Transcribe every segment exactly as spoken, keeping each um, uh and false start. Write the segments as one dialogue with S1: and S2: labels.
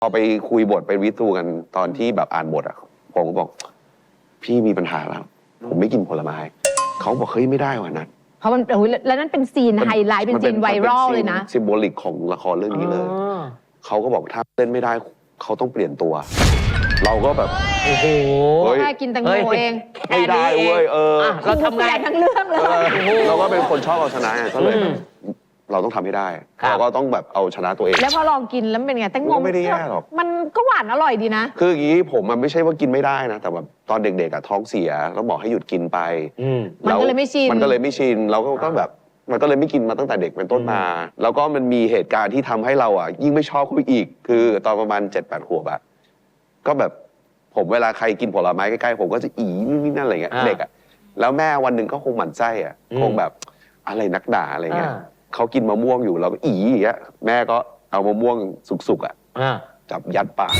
S1: พอไปคุยบทไปวิทูกันตอนที่แบบอ่านบทอ่ะผมก็บอกพี่มีปัญหาแล้วผมไม่กินผลไม้เขาบอกเฮ้ยไม่ได้ว่ะนัท
S2: เพราะมันโอ้ยแล้วนั่นเป็นซีนไฮไลท์เป็นซีนไวรัลเลยนะ
S1: ซิมโบลิกของละครเรื่องนี้เลยเขาก็บอกถ้าเล่นไม่ได้เขาต้องเปลี่ยนตัว เราก็แบบ
S3: โอ้โห
S2: แค่กินแตงโมเอง
S1: ไม่ได้เว้ยเออ
S2: เราทำไงทั้งเรื่องเลย
S1: เราก็เป็นคนชอบเอาชนะก็เลยเราต้องทำให้ได้เราก็ต้องแบบเอาชนะตัวเอง
S2: แล้วพอลองกินแล้วเป็นไงแตงโม
S1: ไม่ได้แย่หรอก
S2: มันก็หวานอร่อยดีนะ
S1: คืออย่างนี้ผมมันไม่ใช่ว่ากินไม่ได้นะแต่แบบตอนเด็กๆอะท้องเสียแล้วบอกให้หยุดกินไป
S2: มันก็เลยไม่ชิน
S1: มันก็เลยไม่ชินเราก็แบบมันก็เลยไม่กินมาตั้งแต่เด็กเป็นต้นมาแล้วก็มันมีเหตุการณ์ที่ทำให้เราอ่ะยิ่งไม่ชอบเขาอีกคือตอนประมาณเจ็ดแปดขวบอะก็แบบผมเวลาใครกินผลไม้ใกล้ๆผมก็จะอีนี่นั่นอะไรเงี้ยเด็กอะแล้วแม่วันหนึ่งก็คงหมั่นไส้อะคงแบบอะไรนักด่าอะไรเงี้ยเขากินมะม่วงอยู่เราก็อีอย่างเงี้ยแม่ก็เอามะม่วงสุกๆอ่ะจับยัดปาก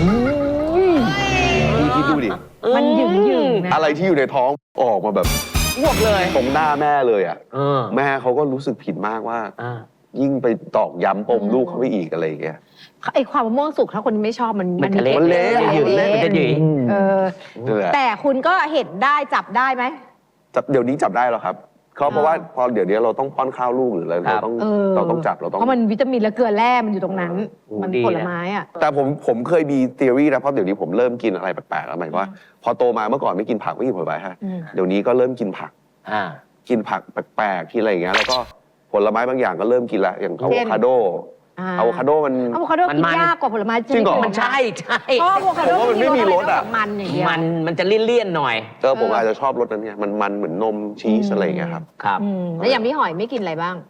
S1: พี่คิดดูดิ
S2: มันหยึงหยึงนะ
S1: อะไรที่อยู่ในท้องออกมาแบบ
S3: อ้วกเลย
S1: ตรงหน้าแม่เลยอ่ะแม่เขาก็รู้สึกผิดมากว่ายิ่งไปตอกย้ำปมลูกเขาไปอีกอะไรอย่างเงี้ย
S2: ไอความมะม่วงสุกถ้าคนไม่ชอบมัน
S3: มันเละ
S1: มันเละ
S3: มันจะหยิ่ง
S2: เออแต่คุณก็เห็นได้จับได้ไหม
S1: จับเดี๋ยวนี้จับได้แล้วครับเขาเพราะว่าพอเดี๋ยวนี้เราต้องป้อนข้าวลูกหรืออะไรเราต้องเราต้องจับเราต้อง
S2: เพราะมันวิตามินและเกลือแร่มันอยู่ตรงนั้นมันผลไม้อ่ะ
S1: แต่ผมผมเคยมีทฤษฎีนะเพราะเดี๋ยวนี้ผมเริ่มกินอะไรแปลกๆแล้วหมายว่าพอโตมาเมื่อก่อนไม่กินผักไม่กินผลไม้ฮะเดี๋ยวนี้ก็เริ่มกินผักกินผักแปลกๆที่อะไรอย่างเงี้ยแล้วก็ผลไม้บางอย่างก็เริ่มกินละอย่างอะโวคาโดอะโวคาโดมัน
S2: อะโวคาโดกินยากกว่าผลไม้
S1: จริงเหรอ
S3: มันใช่ใช่
S2: เพราะอะโวคาโด
S1: มันไม่มีรสอ่ะ
S2: มันอย่างเดียว
S3: มันมันจะเลี่ยนๆหน่อย
S1: เออผมอาจจะชอบรสนั้นเนี่ยมันมันเหมือนนมชีสอะไรอย่างเงี้ยครับ
S3: ครับ
S2: แล้วอย่างพี่หอยไม่กินอะไรบ้าง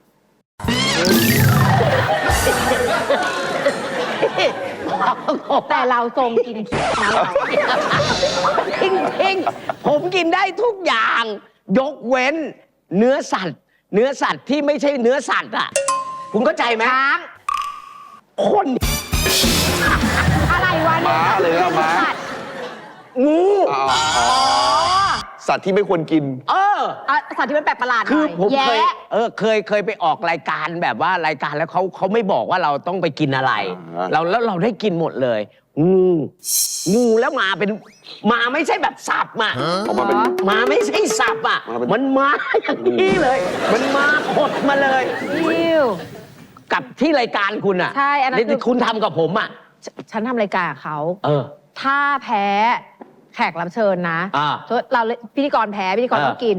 S2: แต่เราทรงกินคิดนะเรา
S3: จริงๆผมกินได้ทุกอย่างยกเว้นเนื้อสัตว์เนื้อสัตว์ที่ไม่ใช่เนื้อสัตว์อ่ะคุณเข้าใจไหม
S2: ช้าง
S3: คน
S2: อะไรวะ
S1: ม้าเลยนะม้า
S3: งู
S1: สัตว์ที่ไม่ควรกิน
S3: เออ
S2: สัตว์ที่มันแปลกประหลาด
S3: คือผมเคยเออเคยเคยไปออกรายการแบบว่ารายการแล้วเขาเขาไม่บอกว่าเราต้องไปกินอะไรเราแล้วเราได้กินหมดเลยงูงูแล้วมาเป็นมาไม่ใช่แบบสับอ่ะมาไม่ใช่สับอ่ะมันมาอย่างนี้เลยมันมาขดมาเลยกับที่รายการคุณอ่ะ
S2: ใช่อันนั้นคือ
S3: คุณทำกับผมอ่ะ
S2: ฉันทำรายการกับเขา
S3: เออ
S2: ถ้าแพ้แขกรับเชิญนะเราพิธีกรแพ้พิธีกรต้องกิน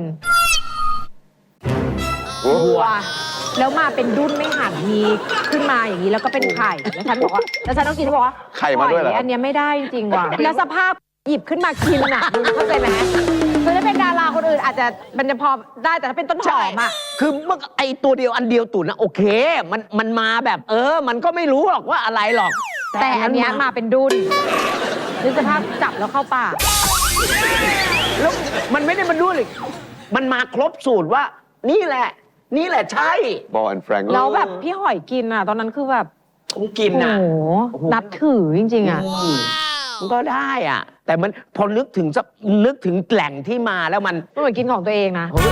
S2: วัวแล้วมาเป็นดุ้นไม่หั่นมีขึ้นมาอย่างนี้แล้วก็เป็นไข่แล้วฉันบอกว่าแล้วฉันต้องกินเขาบอกว่า
S1: ไข่มาด้วยเหรอ
S2: อันนี้ไม่ได้จริงๆว่ะแล้วสภาพหยิบขึ้นมากินอ่ะเข้าใจไหมคือถ้าเป็นดาราคนอื่นอาจจะมันจะพอได้แต่ถ้าเป็นต้นหอมอ่ะ
S3: คือเมื่อไอตัวเดียวอันเดียวตุ๋นนะโอเคมันมันมาแบบเออมันก็ไม่รู้หรอกว่าอะไรหรอก
S2: แต่อันนี้มาเป็นดุ้นนึกสภาพจับแล้วเข้าปาก
S3: แล้วมันไม่ได้มาดุ้นเลยมันมาครบสูตรว่านี่แหละนี่แหละใช่
S1: บอลแฟรงค์
S2: แล้วแบบพี่หอยกินอ่ะตอนนั้นคือแบบ
S3: ผมกินอ่ะ
S2: โอ้โหนับถือจริงๆอ่ะ
S3: มันก็ได้อ่ะแต่มันพอนึกถึงนึกถึงแหล่งที่มาแล้วมัน
S2: มันเหมือนกินของตัวเองนะ